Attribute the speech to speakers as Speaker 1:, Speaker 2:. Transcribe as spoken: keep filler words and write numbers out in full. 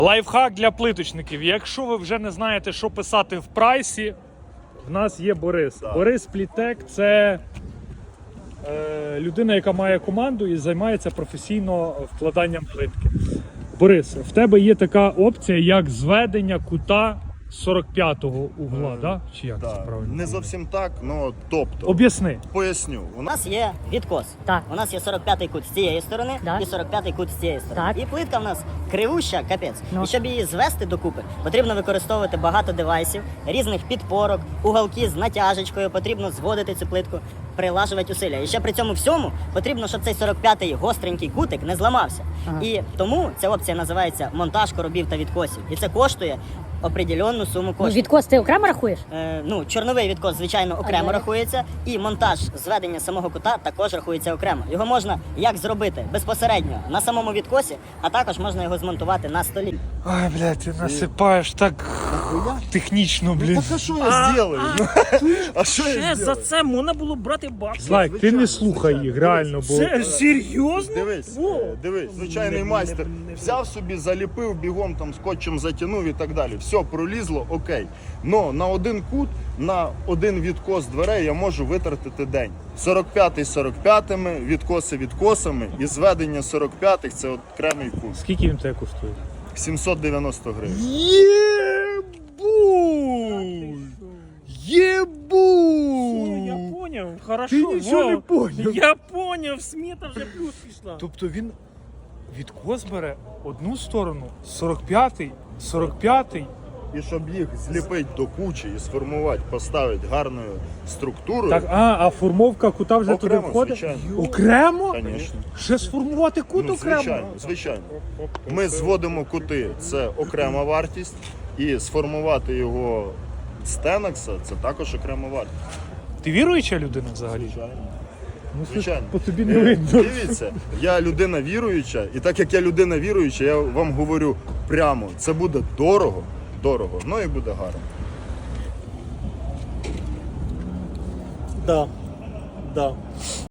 Speaker 1: Лайфхак для плиточників. Якщо ви вже не знаєте, що писати в прайсі, в нас є Борис.
Speaker 2: Так.
Speaker 1: Борис Плітек – це е, людина, яка має команду і займається професійно вкладанням плитки. Борис, в тебе є така опція, як зведення кута сорок п'ятого угла,
Speaker 2: Е,
Speaker 1: да? Чи як це
Speaker 2: Так.
Speaker 1: правильно?
Speaker 2: Не зовсім так, ну тобто.
Speaker 1: Об'ясни.
Speaker 2: Поясню. У
Speaker 3: У
Speaker 2: нас
Speaker 3: нас є відкос.
Speaker 4: Так.
Speaker 3: У нас є сорок п'ятий кут з цієї сторони
Speaker 4: Да.
Speaker 3: і сорок п'ятий кут з цієї сторони.
Speaker 4: Так.
Speaker 3: І плитка в нас кривуща, капець.
Speaker 4: Ну.
Speaker 3: І щоб її звести докупи, потрібно використовувати багато девайсів, різних підпорок, уголки з натяжечкою, потрібно зводити цю плитку, прилажувати усилля. І ще при цьому всьому потрібно, щоб цей сорок п'ятий гостренький кутик не зламався.
Speaker 4: Ага.
Speaker 3: І тому ця опція називається монтаж коробів та відкосів. І це коштує определенну суму
Speaker 4: Ну,
Speaker 3: коштів.
Speaker 4: відкос ти окремо рахуєш?
Speaker 3: Е, ну, чорновий відкос, звичайно, окремо
Speaker 4: далі?
Speaker 3: рахується, і монтаж зведення самого кута також рахується окремо. Його можна як зробити безпосередньо на самому відкосі, а також можна його змонтувати на столі.
Speaker 1: Ай, блядь, ти насипаєш так технічно, блін.
Speaker 2: Так а що я зроблю? А що я
Speaker 5: Ще за
Speaker 2: зроблю?
Speaker 5: це можна було брати бабки.
Speaker 1: Злайк, ти не слухай їх, реально, бо...
Speaker 5: Це серйозно?
Speaker 2: Дивись,
Speaker 5: Во.
Speaker 2: е, дивись, звичайний майстер взяв собі, заліпив, бігом там скотчем затягнув і так далі. Все, пролізло, окей. Но на один кут, на один відкос дверей я можу витратити день. сорок п'ятий сорок п'ятими, відкоси відкосами і зведення сорок п'ятих це окремий кут.
Speaker 1: Скільки він тебе коштує?
Speaker 2: сімсот дев'яносто гривень.
Speaker 1: Єбуй! Єбуй!
Speaker 5: Я поняв, хорошо.
Speaker 1: Ти нічого не
Speaker 5: Вау.
Speaker 1: поняв.
Speaker 5: Я поняв, смета вже плюс пішла.
Speaker 1: Тобто він відкос бере одну сторону, сорок п'ятий, сорок п'ятий.
Speaker 2: І щоб їх зліпити до кучі і сформувати, поставити гарною структурою,
Speaker 1: Так, а, а формовка кута вже
Speaker 2: Окремо,
Speaker 1: туди входить?
Speaker 2: звичайно.
Speaker 1: Окремо?
Speaker 2: звісно.
Speaker 1: Ще сформувати кут
Speaker 2: Ну,
Speaker 1: окремо?
Speaker 2: звичайно, звичайно. Ми зводимо кути, це окрема вартість, і сформувати його з Тенекса це також окрема вартість.
Speaker 1: Ти віруюча людина взагалі?
Speaker 2: Звичайно.
Speaker 1: Ну, це
Speaker 2: Звичайно.
Speaker 1: по тобі
Speaker 2: Е,
Speaker 1: не видно.
Speaker 2: Дивіться, я людина віруюча, і так як я людина віруюча, я вам говорю прямо, це буде дорого, дорого, ну і буде гарно.
Speaker 5: Да. Да.